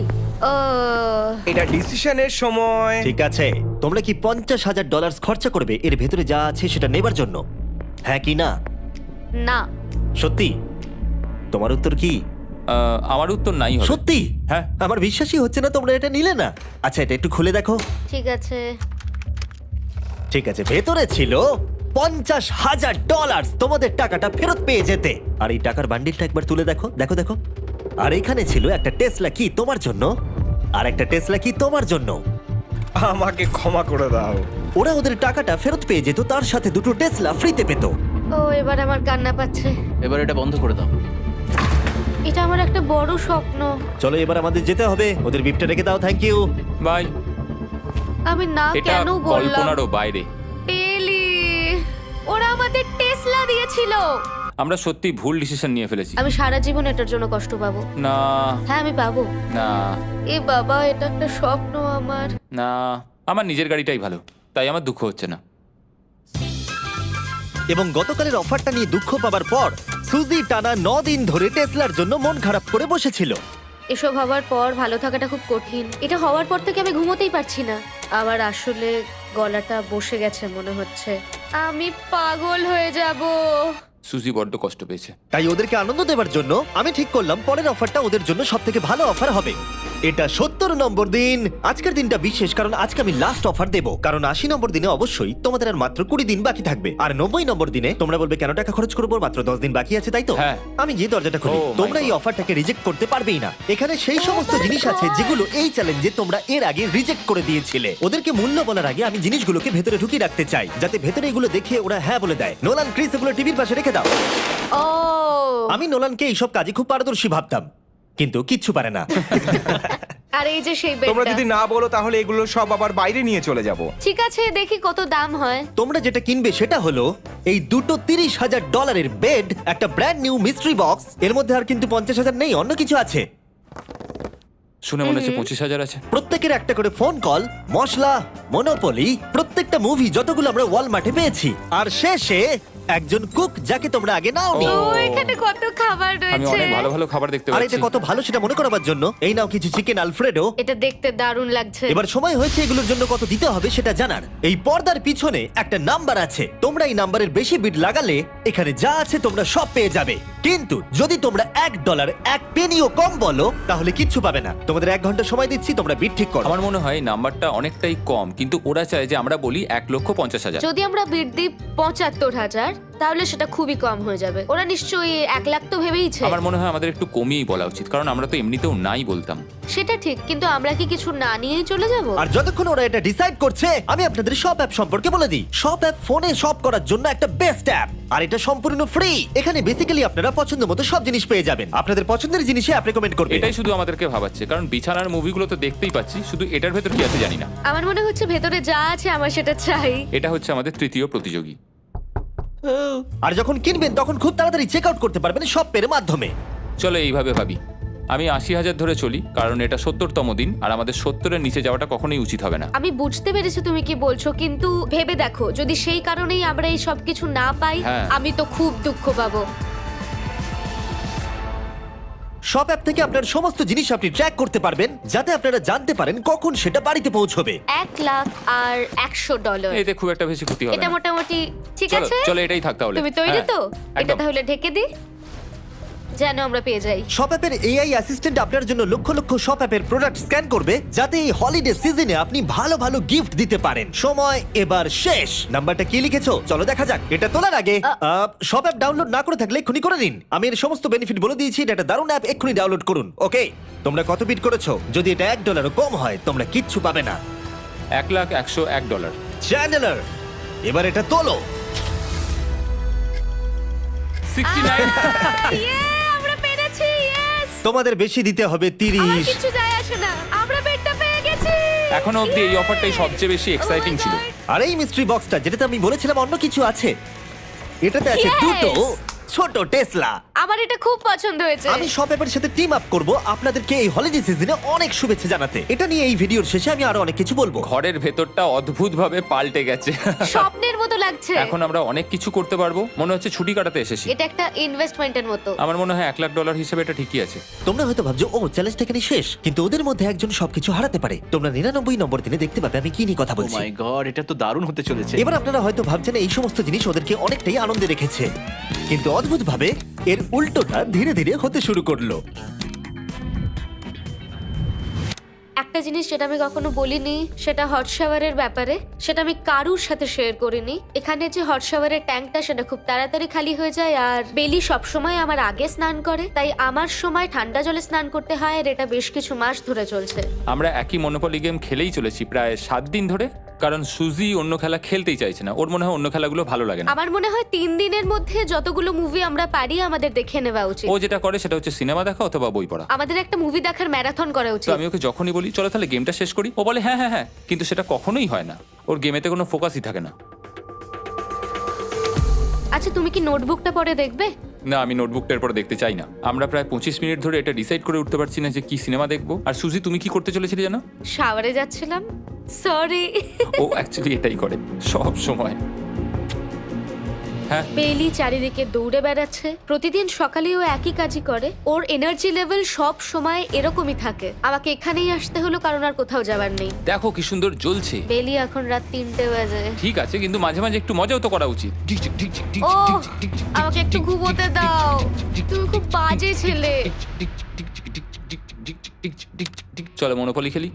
[SPEAKER 7] এটা ডিসিশনের সময়।
[SPEAKER 1] ঠিক আছে, তোমরা কি $50,000 খরচা করবে এর ভেতরে যা আছে সেটা নেবার জন্য? হ্যাঁ কি না?
[SPEAKER 3] না।
[SPEAKER 1] সত্যি? তোমার উত্তর কি?
[SPEAKER 2] আমার উত্তর নাই হবে।
[SPEAKER 1] সত্যি?
[SPEAKER 2] হ্যাঁ।
[SPEAKER 1] আমার বিশ্বাসই হচ্ছে না তোমরা এটা নিলে না। আচ্ছা, এটা একটু খুলে দেখো।
[SPEAKER 3] ঠিক আছে।
[SPEAKER 1] ঠিক আছে, ভেতরে ছিল $50,000। তোমাদের টাকাটা ফেরত পেয়ে যেতে। আর এই টাকার বান্ডিলটা একবার তুলে দেখো, দেখো দেখো। আর এখানে ছিল একটা টেসলা কি তোমার জন্য, আর একটা টেসলা কি তোমার জন্য।
[SPEAKER 7] আমাকে ক্ষমা করে দাও।
[SPEAKER 1] ওরা ওদের টাকাটা ফেরত পেয়ে যেত, তার সাথে 2টো টেসলা ফ্রিতে পেত।
[SPEAKER 3] ও, এবার আমার কান্না পাচ্ছে।
[SPEAKER 5] এবার এটা বন্ধ করে দাও।
[SPEAKER 3] এটা আমার একটা বড় স্বপ্ন।
[SPEAKER 1] চলো এবার আমাদের যেতে হবে। ওদের বিফটা রেখে দাও। Thank you.
[SPEAKER 2] বাই।
[SPEAKER 3] আমি না
[SPEAKER 2] এটা
[SPEAKER 3] কেন বললাম?
[SPEAKER 2] কল্পনারও বাইরে।
[SPEAKER 3] পেলি, ওরা আমাদের টেসলা দিয়েছিল।
[SPEAKER 2] আমরা সত্যি ভুল ডিসিশন নিয়ে ফেলেছি।
[SPEAKER 3] আমি সারা জীবন এটার জন্য কষ্ট পাবো।
[SPEAKER 2] না
[SPEAKER 3] হ্যাঁ, আমি পাবো।
[SPEAKER 2] না
[SPEAKER 3] এ বাবা, এটা একটা স্বপ্ন আমার।
[SPEAKER 2] না, আমার নিজের গাড়িটাই ভালো, তাই আমার দুঃখ হচ্ছে না।
[SPEAKER 1] এবং গতকালের অফারটা নিয়ে দুঃখ পাবার পর সুজি টানা 9 দিন ধরে টেসলার জন্য মন খারাপ করে বসেছিল।
[SPEAKER 3] এসব হওয়ার পর ভালো থাকাটা খুব কঠিন। এটা হওয়ার পর থেকে আমি ঘুমোতেই পারছি না। আমার আসলে গলাটা বসে গেছে মনে হচ্ছে। আমি পাগল হয়ে যাব।
[SPEAKER 2] সুজি বড্ড কষ্ট পেয়েছে।
[SPEAKER 1] তাই ওদেরকে আনন্দ দেওয়ার জন্য আমি ঠিক করলাম পরের অফারটা ওদের জন্য সব থেকে ভালো অফার হবে। এটা 70 নম্বর দিন। আজকের দিনটা বিশেষ কারণ আজকে আমি লাস্ট অফার দেব। কারণ 80 নম্বর দিনে অবশ্যই তোমাদের আর মাত্র 20 দিন বাকি থাকবে। আর 90 নম্বর দিনে তোমরা বলবে কেন টাকা খরচ করবো, মাত্র 10 দিন বাকি আছে, তাই তো?
[SPEAKER 2] হ্যাঁ।
[SPEAKER 1] আমি গিয়ে দরজাটা খুলি।
[SPEAKER 2] Oh my
[SPEAKER 1] তোমরা এই
[SPEAKER 2] God.
[SPEAKER 1] অফারটাকে রিজেক্ট করতে পারবেই না। এখানে সেই সমস্ত জিনিস আছে যেগুলো এই চ্যালেঞ্জে তোমরা এর আগে রিজেক্ট করে দিয়েছিলে। ওদেরকে মূল্য বলার আগে আমি জিনিসগুলোকে ভেতরে ঢুকিয়ে রাখতে চাই, যাতে ভেতরে এগুলো দেখে ওরা হ্যাঁ বলে দেয়। নোলান, ক্রিস, এগুলো টিভির পাশে রেখে দাও।
[SPEAKER 3] ও,
[SPEAKER 1] আমি নোলানকে এইসব কাজে খুব পারদর্শী ভাবতাম, কিন্তু কিচ্ছু পারে না।
[SPEAKER 3] আর এই যে সেই
[SPEAKER 7] তোমরা
[SPEAKER 3] বেডটা।
[SPEAKER 7] যদি না বলো তাহলে এগুলো সব আবার বাইরে নিয়ে চলে যাব।
[SPEAKER 3] ঠিক আছে, দেখি কত দাম হয়।
[SPEAKER 1] তোমরা যেটা কিনবে সেটা হলো এই দুটো $30,000 বেড, একটা ব্র্যান্ড নিউ মিস্ট্রি বক্স। এর মধ্যে আর কিন্তু 50,000 নেই, অন্য কিছু আছে।
[SPEAKER 2] শুনে মনে হচ্ছে 25,000 আছে।
[SPEAKER 1] প্রত্যেকের একটা করে ফোন কল, মশলা, মনোপলি, প্রত্যেকটা মুভি যতগুলো আমরা ওয়ালমার্টে পেয়েছি, আর শেষে একজন কুক যাকে তোমরা আগে নাওনি।
[SPEAKER 2] ও।
[SPEAKER 3] ও, এখানে কত খাবার
[SPEAKER 2] আমি
[SPEAKER 3] রয়েছে।
[SPEAKER 2] অনেক ভালো ভালো খাবার দেখতে
[SPEAKER 1] আর
[SPEAKER 2] পাচ্ছি।
[SPEAKER 1] এটা কত ভালো সেটা মনে করাবার জন্য এই নাও কিছু চিকেন আলফ্রেডো।
[SPEAKER 3] এটা দেখতে দারুণ লাগছে।
[SPEAKER 1] এবার সময় হয়েছে এগুলোর জন্য কত দিতে হবে সেটা জানার। এই পর্দার পিছনে একটা নাম্বার আছে, তোমরা এই নাম্বারের বেশি বিড লাগালে এখানে যা আছে তোমরা সব পেয়ে যাবে। কিন্তু যদি তোমরা $1 1 পেনিও কম বলো তাহলে কিচ্ছু পাবে না। তোমাদের 1 ঘন্টা সময় দিচ্ছি, তোমরা বিড ঠিক করো।
[SPEAKER 2] আমার মনে হয় এই নাম্বারটা অনেকটাই কম, কিন্তু ওরা চায় যে আমরা বলি 1,50,000।
[SPEAKER 3] যদি আমরা বিড দিই 75,000, তাহলে সেটা খুবই কম হয়ে যাবে। ওরা নিশ্চয়ই 1 লাখ তো ভেবেইছে।
[SPEAKER 2] আমার মনে হয় আমাদের একটু কমিয়েই বলা উচিত, কারণ আমরা তো এমনিতেও নাই বলতাম।
[SPEAKER 3] সেটা ঠিক, কিন্তু আমরা কি কিছু না নিয়েই চলে যাব?
[SPEAKER 1] আর যতক্ষণ ওরা এটা ডিসাইড করছে আমি আপনাদের শপ অ্যাপ সম্পর্কে বলে দিই। শপ অ্যাপ ফোনে শপ করার জন্য একটা বেস্ট অ্যাপ, আর এটা সম্পূর্ণ ফ্রি। এখানে বেসিক্যালি আপনারা পছন্দ মতো সব জিনিস পেয়ে যাবেন। আপনাদের পছন্দের জিনিসে অ্যাপ রেকমেন্ড করবে।
[SPEAKER 2] এটাই শুধু আমাদেরকে ভাবাচ্ছে, কারণ বিছানার মুভিগুলো তো দেখতেই পাচ্ছি, শুধু এটার ভেতর কি আছে জানি না।
[SPEAKER 3] আমার মনে হচ্ছে ভেতরে যা আছে আমার সেটা চাই।
[SPEAKER 2] এটা হচ্ছে আমাদের তৃতীয় প্রতিযোগী।
[SPEAKER 1] আর যখন কিনবেন তখন খুব তাড়াতাড়ি চেক আউট করতে পারবেন শপ পের মাধ্যমে।
[SPEAKER 2] চলো এইভাবে ভাবি, আমি 80,000 ধরে চলি, কারণ এটা 70তম দিন, আর আমাদের 70-এর নিচে যাওয়াটা কখনোই উচিত হবে না।
[SPEAKER 3] আমি বুঝতে পেরেছি তুমি কি বলছো, কিন্তু ভেবে দেখো যদি সেই কারণেই আমরা এই সব কিছু না পাই,
[SPEAKER 2] হ্যাঁ।
[SPEAKER 3] আমি তো খুব দুঃখ পাবো।
[SPEAKER 1] শপ অ্যাপ থেকে আপনার সমস্ত জিনিস আপনি ট্র্যাক করতে পারবেন, যাতে আপনারা জানতে পারেন কখন সেটা বাড়িতে পৌঁছবে।
[SPEAKER 3] 1 লাখ আর $100।
[SPEAKER 2] এতে খুব একটা বেশি ক্ষতি হবে
[SPEAKER 3] এটা
[SPEAKER 2] না।
[SPEAKER 3] মোটামুটি ঠিক
[SPEAKER 2] চলো
[SPEAKER 3] আছে।
[SPEAKER 2] চলো এটাই থাক তাহলে।
[SPEAKER 3] তুমি তৈরি
[SPEAKER 2] হ্যাঁ,
[SPEAKER 3] তো? এটা
[SPEAKER 2] একদম।
[SPEAKER 3] তাহলে ঢেকে দি। যেন আমরা পেয়ে যাই।
[SPEAKER 1] শপ অ্যাপের এআই অ্যাসিস্ট্যান্ট আপনার জন্য লক্ষ লক্ষ শপ অ্যাপের প্রোডাক্ট স্ক্যান করবে, যাতে এই হলিডে সিজনে আপনি ভালো ভালো গিফট দিতে পারেন। সময় এবার শেষ। নাম্বারটা কি লিখেছো চলো দেখা যাক। এটা তোলার আগে শপ অ্যাপ ডাউনলোড না করে থাকলে এক্ষুনি করে নিন। আমি এর সমস্ত বেনিফিট বলে দিয়েছি। এটা একটা দারুণ অ্যাপ, এক্ষুনি ডাউনলোড করুন। ওকে, তোমরা কত বিট করেছো? যদি এটা $1 কম হয় তোমরা কিচ্ছু পাবে না।
[SPEAKER 2] $1,101
[SPEAKER 1] চ্যান্ডেলার, এবার এটা তোলো।
[SPEAKER 2] 69
[SPEAKER 3] আমরা পেরেছি, ইয়েস!
[SPEAKER 1] তোমাদের বেশি দিতে হবে
[SPEAKER 3] আমার
[SPEAKER 1] 30।
[SPEAKER 3] কিছু যায় আসে না, আমরা বেডটা পেয়ে গেছি।
[SPEAKER 2] এখনো অবধি এই অফারটাই সবচেয়ে বেশি এক্সাইটিং ছিল।
[SPEAKER 1] আর এই মিস্ট্রি বক্সটা, যেটাতে আমি বলেছিলাম অন্য কিছু আছে, এটাতে আছে
[SPEAKER 3] Yes!
[SPEAKER 1] দুটো ছোট টেসলা।
[SPEAKER 3] আমার এটা খুব পছন্দ হয়েছে।
[SPEAKER 1] আমি শপ অ্যাপের সাথে টিম আপ করব আপনাদেরকে এই হলিডে সিজনে অনেক শুভেচ্ছা জানাতে। এটা নিয়ে এই ভিডিওর শেষে আমি আরো অনেক কিছু বলবো।
[SPEAKER 2] ঘরের ভেতরটা অদ্ভুতভাবে পাল্টে গেছে।
[SPEAKER 3] স্বপ্নের মতো লাগছে।
[SPEAKER 2] এখন আমরা অনেক কিছু করতে পারবো, মনে হচ্ছে ছুটি কাটাতে এসেছি।
[SPEAKER 3] এটা একটা ইনভেস্টমেন্টের মতো।
[SPEAKER 2] আমার মনে হয় $1,00,000 হিসেবে এটা ঠিকই আছে।
[SPEAKER 1] তোমরা হয়তো ভাবছো ও চ্যালেঞ্জটা এখানে শেষ, কিন্তু ওদের মধ্যে একজন সবকিছু হারাতে পারে। তোমরা 99 নম্বর দিনে দেখতে পাবে আমি কি নিয়ে কথা
[SPEAKER 5] ও
[SPEAKER 1] বলছি।
[SPEAKER 5] মাই গড, এটা তো দারুণ হতে চলেছে।
[SPEAKER 1] এবার আপনারা হয়তো ভাবছেন এই সমস্ত জিনিস ওদেরকে অনেকটাই আনন্দে রেখেছে, কিন্তু অদ্ভুতভাবে এর উল্টোটা ধীরে ধীরে হতে শুরু করলো।
[SPEAKER 3] একটা জিনিস যেটা আমি কখনো বলিনি, সেটা হট শাওয়ারের ব্যাপারে। সেটা আমি কারুর সাথে শেয়ার করিনি। এখানে যে হট শাওয়ারের ট্যাঙ্কটা, সেটা খুব তাড়াতাড়ি খালি হয়ে যায়। আর বেলি সবসময় আমার আগে স্নান করে, তাই আমার সময় ঠান্ডা জলে স্নান করতে হয়। আর এটা বেশ কিছু মাস ধরে চলছে।
[SPEAKER 2] আমরা একই মনোপলি গেম খেলেই চলেছি প্রায় 7 দিন ধরে, কারণ সুজি অন্য খেলা খেলতেই চাইছে না। ওর মনে হয় অন্য খেলাগুলো ভালো লাগে না।
[SPEAKER 3] আমার মনে হয় 3 দিনের মধ্যে যতগুলো মুভি আমরা পারি আমাদের দেখে নেওয়া উচিত।
[SPEAKER 2] ও যেটা করে সেটা হচ্ছে সিনেমা দেখা অথবা বই পড়া।
[SPEAKER 3] আমাদের একটা মুভি দেখার ম্যারাথন করা
[SPEAKER 2] তো
[SPEAKER 3] উচিত।
[SPEAKER 2] আমি ওকে যখনই বলি চলো তাহলে গেমটা শেষ করি, ও বলে হ্যাঁ হ্যাঁ হ্যাঁ, কিন্তু সেটা কখনোই হয় না। ওর গেমেতে কোনো ফোকাসই থাকে না।
[SPEAKER 3] আচ্ছা, তুমি কি নোটবুকটা পরে দেখবে?
[SPEAKER 2] না, আমি নোটবুকটার পর দেখতে চাই না। আমরা প্রায় 25 মিনিট ধরে এটা ডিসাইড করে উঠতে পারছি না যে কি সিনেমা দেখবো। আর সুজি, তুমি কি করতে চলেছিলে জানো?
[SPEAKER 3] শাওয়ারে যাচ্ছিলাম। সরি।
[SPEAKER 2] ও অ্যাকচুয়ালি এটাই করে সব সময়। হ্যাঁ,
[SPEAKER 3] বেলি চারিদিকে দৌড়ে বেড়াচ্ছে। প্রতিদিন সকালে ও একই কাজই করে। ওর এনার্জি লেভেল সব সময় এরকমই থাকে। আমাকে এখানেই আসতে হলো, কারণ আর কোথাও যাবার নেই।
[SPEAKER 2] দেখো কি সুন্দর জ্বলছে।
[SPEAKER 3] বেলি এখন রাত 3টে বাজে।
[SPEAKER 2] ঠিক আছে, কিন্তু মাঝে মাঝে একটু মজাও তো করা উচিত।
[SPEAKER 3] ও, আমাকে একটু ঘুমোতে দাও। তুমি খুব বাজে ছেলে।
[SPEAKER 2] চলো মনোপলি খেলি।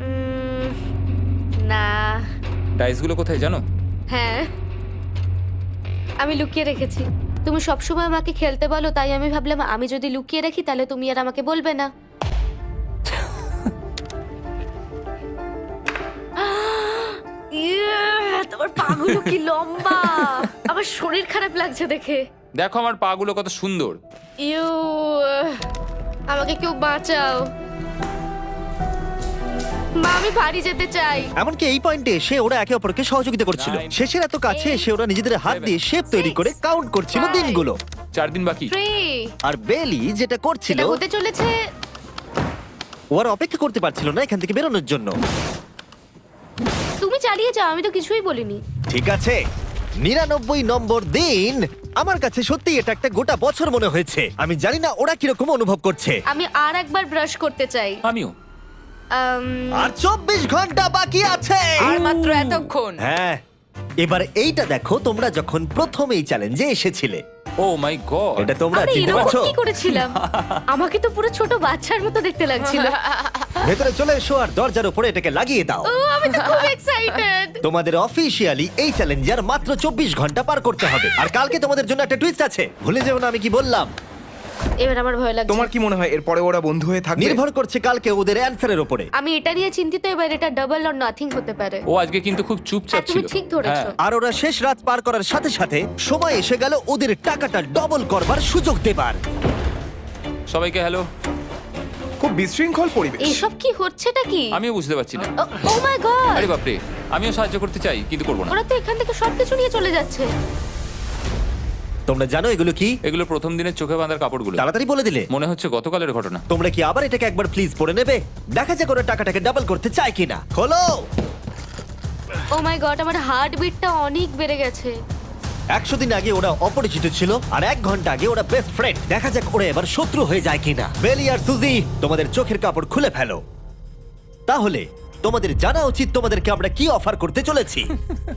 [SPEAKER 3] না।
[SPEAKER 2] ডাইসগুলো কোথায় জানো?
[SPEAKER 3] হ্যাঁ, আমি লুকিয়ে রেখেছি। তুমি সবসময় আমাকে খেলতে বলো, তাই আমি ভাবলাম আমি যদি লুকিয়ে রাখি তাহলে তুমি আর আমাকে বলবে না। তোমার পাগুলো কি লম্বা! আমার শরীর খারাপ লাগছে দেখে।
[SPEAKER 2] দেখো আমার পাগুলো কত সুন্দর।
[SPEAKER 3] ইউ, আমাকে কেউ বাঁচাও। মা, আমি বাড়ি যেতে চাই।
[SPEAKER 1] এমনকি এই পয়েন্টে এসে ওরা একে অপরকে সহযোগিতা করছিল।
[SPEAKER 2] 9,
[SPEAKER 1] শেষের এত কাছে এসে ওরা নিজেদের হাত দিয়ে শেপ তৈরি করে কাউন্ট করছিল
[SPEAKER 3] 5,
[SPEAKER 1] দিনগুলো।
[SPEAKER 2] 4 দিন বাকি।
[SPEAKER 3] 3,
[SPEAKER 1] আর বেলি যেটা করছিল,
[SPEAKER 3] এটা হতে চলেছে।
[SPEAKER 1] ও আর অপেক্ষা করতে পারছিল না এখান থেকে বেরোনোর জন্য।
[SPEAKER 3] তুমি চালিয়ে যাও, আমি তো কিছুই বলিনি।
[SPEAKER 1] ঠিক আছে, 99 নম্বর দিন। আমার কাছে সত্যি এটা একটা গোটা বছর মনে হয়েছে। আমি জানি না ওরা কিরকম অনুভব করছে।
[SPEAKER 3] আমি আর একবার ব্রাশ করতে চাই।
[SPEAKER 2] আমিও।
[SPEAKER 1] আর 24 ঘন্টা বাকি আছে।
[SPEAKER 4] আর মাত্র এতক্ষণ।
[SPEAKER 1] হ্যাঁ, এবার এইটা দেখো, তোমরা যখন প্রথম এই চ্যালেঞ্জে এসেছিলে,
[SPEAKER 2] ও মাই গড।
[SPEAKER 1] এটা তোমরা
[SPEAKER 3] আরে
[SPEAKER 1] চিনতে
[SPEAKER 3] এরকম
[SPEAKER 1] পারছো?
[SPEAKER 3] কি করেছিলাম? আমাকে তো পুরো ছোট বাচ্চার মতো দেখতে লাগছিল।
[SPEAKER 1] ভেতরে চলে এসো আর দরজার উপরে এটাকে লাগিয়ে দাও।
[SPEAKER 3] ও, আমি তো খুব এক্সাইটেড।
[SPEAKER 1] তোমাদের অফিসিয়ালি এই চ্যালেঞ্জার মাত্র 24 ঘন্টা পার করতে হবে। আর কালকে তোমাদের জন্য একটা টুইস্ট আছে, ভুলে যেও না আমি কি বললাম।
[SPEAKER 3] এবার আমার ভয় লাগছে।
[SPEAKER 7] তোমার কি মনে হয় এরপরে ওরা বন্ধু হয়ে থাকবে?
[SPEAKER 1] নির্ভর করছে কালকে ওদের অ্যানসারের উপরে।
[SPEAKER 3] আমি এটা নিয়ে চিন্তিত। এবার এটা ডাবল অর নাথিং হতে পারে।
[SPEAKER 2] ও আজকে কিন্তু খুব চুপচাপ
[SPEAKER 3] হ্যাঁ, তুমি
[SPEAKER 2] ছিল।
[SPEAKER 3] ঠিক ধরেছো।
[SPEAKER 2] হ্যাঁ।
[SPEAKER 1] আর ওরা শেষ রাত পার করার সাথে সাথে সময় এসে গেল ওদের টাকাটা ডবল করবার সুযোগ দেবার।
[SPEAKER 2] সবাইকে হ্যালো।
[SPEAKER 7] খুব বিশৃঙ্খল পরিবেশ।
[SPEAKER 3] এইসব কি হচ্ছেটা কি?
[SPEAKER 2] আমিও বুঝতে পারছি না।
[SPEAKER 3] Oh my God!
[SPEAKER 2] আরে বাপরে, আমিও সাহায্য করতে চাই কিন্তু করবো না।
[SPEAKER 3] ওরা তো এখান থেকে সবকিছু নিয়ে চলে যাচ্ছে।
[SPEAKER 1] তোমরা জানো এগুলো কি?
[SPEAKER 2] এগুলো প্রথম দিনের চোখে বাঁধার কাপড়গুলো।
[SPEAKER 1] তাড়াতাড়ি বলে দিলে।
[SPEAKER 2] মনে হচ্ছে গতকালের ঘটনা।
[SPEAKER 1] তোমরা কি আবার এটাকে একবার প্লিজ পড়ে নেবে? দেখা যাক ওরা টাকাটাকে ডাবল করতে চায় কিনা। খোলো।
[SPEAKER 3] ও মাই গড, আমার হার্ট বিটটা অনেক বেড়ে গেছে।
[SPEAKER 1] 100 দিন আগে ওরা অপরিচিত ছিল, আর 1 ঘন্টা আগে ওরা বেস্ট ফ্রেন্ড। দেখা যাক ওরা এবার শত্রু হয়ে যায় কিনা। বেলি আর সুজি, তোমাদের চোখের কাপড় খুলে ফেলো। তাহলে তোমাদের জানা উচিত তোমাদেরকে আমরা কি অফার করতে চলেছি।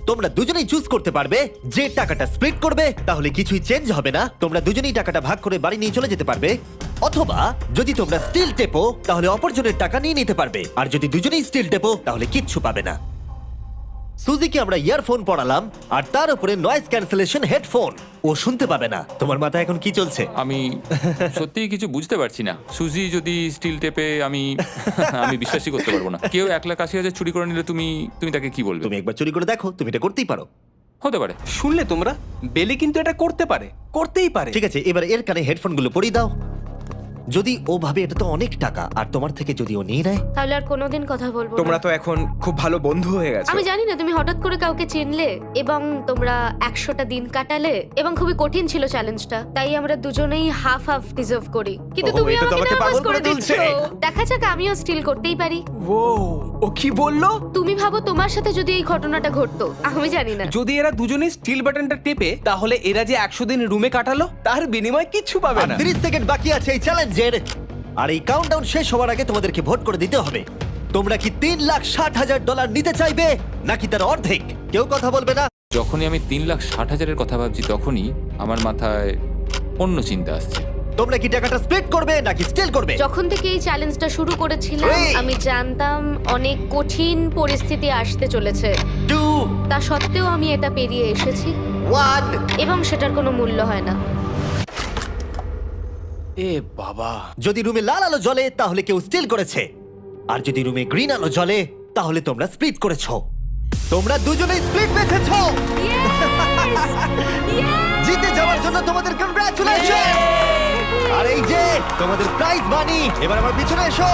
[SPEAKER 1] তোমরা দুজনেই চুজ করতে পারবে যে টাকাটা স্প্লিট করবে, তাহলে কিছুই চেঞ্জ হবে না, তোমরা দুজনেই টাকাটা ভাগ করে বাড়ি নিয়ে চলে যেতে পারবে। অথবা যদি তোমরা স্টিল টেপো তাহলে অপরজনের টাকা নিয়ে নিতে পারবে, আর যদি দুজনেই স্টিল টেপো তাহলে কিচ্ছু পাবে না। সুজিকে আমরা ইয়ারফোন পড়ালাম আর তার উপরে নয়েজ ক্যান্সেলেশন হেডফোন, ও শুনতে পাবে না। তোমার মাথায় এখন কি চলছে?
[SPEAKER 2] আমি সত্যিই কিছু বুঝতে পারছি না। সুজি যদি স্টিল টেপে আমি বিশ্বাসই করতে পারবো না। কেউ 1,80,000 চুরি করে নিলে তুমি তাকে কি বলবে?
[SPEAKER 1] তুমি একবার চুরি করে দেখো, তুমি এটা করতেই পারো।
[SPEAKER 2] হতে পারে।
[SPEAKER 8] শুনলে তোমরা, বেলি কিন্তু এটা করতে পারে, করতেই পারে।
[SPEAKER 1] ঠিক আছে, এবার এর কানে হেডফোনগুলো পরিয়ে দাও। যদি ও ভাবে এটা তো অনেক টাকা, আর তোমার থেকে যদি ও নিয়ে নেয়,
[SPEAKER 3] তাহলে আর কোনোদিন কথা বলবো
[SPEAKER 7] তোমরা
[SPEAKER 3] না।
[SPEAKER 7] তো এখন খুব ভালো বন্ধু হয়ে গেছো।
[SPEAKER 3] আমি জানি না তুমি হঠাৎ করে কাউকে চিনলে এবং তোমরা 100টা দিন কাটালে এবং খুবই কঠিন ছিল চ্যালেঞ্জটা, তাই আমরা দুজনেই হাফ হাফ ডিজার্ভ করি। কিন্তু
[SPEAKER 1] ওহো,
[SPEAKER 3] তুমি
[SPEAKER 1] এটা তো
[SPEAKER 3] আমাকে
[SPEAKER 1] আমাকে
[SPEAKER 3] নার্ভাস
[SPEAKER 1] পাগল করে
[SPEAKER 3] করে দিচ্ছ।
[SPEAKER 1] তুলছে।
[SPEAKER 3] দেখা যাক, আমিও স্টিল করতেই পারি।
[SPEAKER 8] ও কি বললো?
[SPEAKER 3] তুমি ভাবো তোমার সাথে যদি এই ঘটনাটা ঘটতো, আমি জানি না।
[SPEAKER 8] যদি এরা দুজনে স্টিল বাটনটা টেপে, তাহলে এরা যে 100 দিন রুমে কাটালো তার বিনিময়ে কিচ্ছু পাবে
[SPEAKER 1] আর
[SPEAKER 8] না।
[SPEAKER 1] 30 সেকেন্ড বাকি আছে এই চ্যালেঞ্জের, আর এই কাউন্টডাউন শেষ হওয়ার আগে তোমাদেরকে ভোট করে দিতে হবে। তোমরা কি $3,60,000 নিতে চাইবে নাকি তার অর্ধেক? কেউ কথা বলবে না।
[SPEAKER 2] যখনই আমি 3,60,000-এর কথা ভাবছি, তখনই আমার মাথায় অন্য চিন্তা আসছে।
[SPEAKER 1] তোমরা কি টাকাটা স্প্লিট করবে নাকি স্টিল করবে?
[SPEAKER 3] যখন থেকে এই চ্যালেঞ্জটা শুরু করেছিলাম,
[SPEAKER 1] Three.
[SPEAKER 3] আমি জানতাম অনেক কঠিন পরিস্থিতি আসতে চলেছে।
[SPEAKER 1] 2,
[SPEAKER 3] তা সত্ত্বেও আমি এটা পেরিয়ে এসেছি
[SPEAKER 1] 1।
[SPEAKER 3] এবং সেটার কোনো মূল্য হয় না।
[SPEAKER 8] এ বাবা,
[SPEAKER 1] যদি রুমে লাল আলো জ্বলে তাহলে কেউ স্টিল করেছে, আর যদি রুমে গ্রিন আলো জ্বলে তাহলে তোমরা স্প্লিট করেছো। তোমরা দুজনেই স্প্লিট বেঁচেছো। জিতে যাওয়ার জন্য তোমাদের কংগ্রাচুলেশন। আর এই যে তোমাদের প্রাইজ মানি, এবার আমার পিছনে এসো।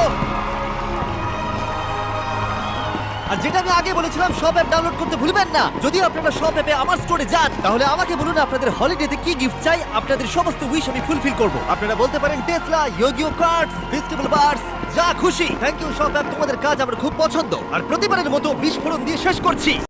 [SPEAKER 1] আর যেটা আমি আগে বলেছিলাম, সব অ্যাপ ডাউনলোড করতে ভুলবেন না। যদি আপনারা সব অ্যাপে আমার স্টোরে যান, তাহলে আমাকে বলুন আপনাদের হলিডেতে কি গিফট চাই। আপনাদের সমস্ত উইশ আমি ফুলফিল করব। আপনারা বলতে পারেন টেসলা, ইয়োগিও কার্ডস, ফেস্টিভ্যাল বার্স, যা খুশি। থ্যাংক ইউ সব অ্যাপ, তোমাদের কাজ আমার খুব পছন্দ। আর প্রতিবারের মতো বিস্ফোরণ দিয়ে শেষ করছি।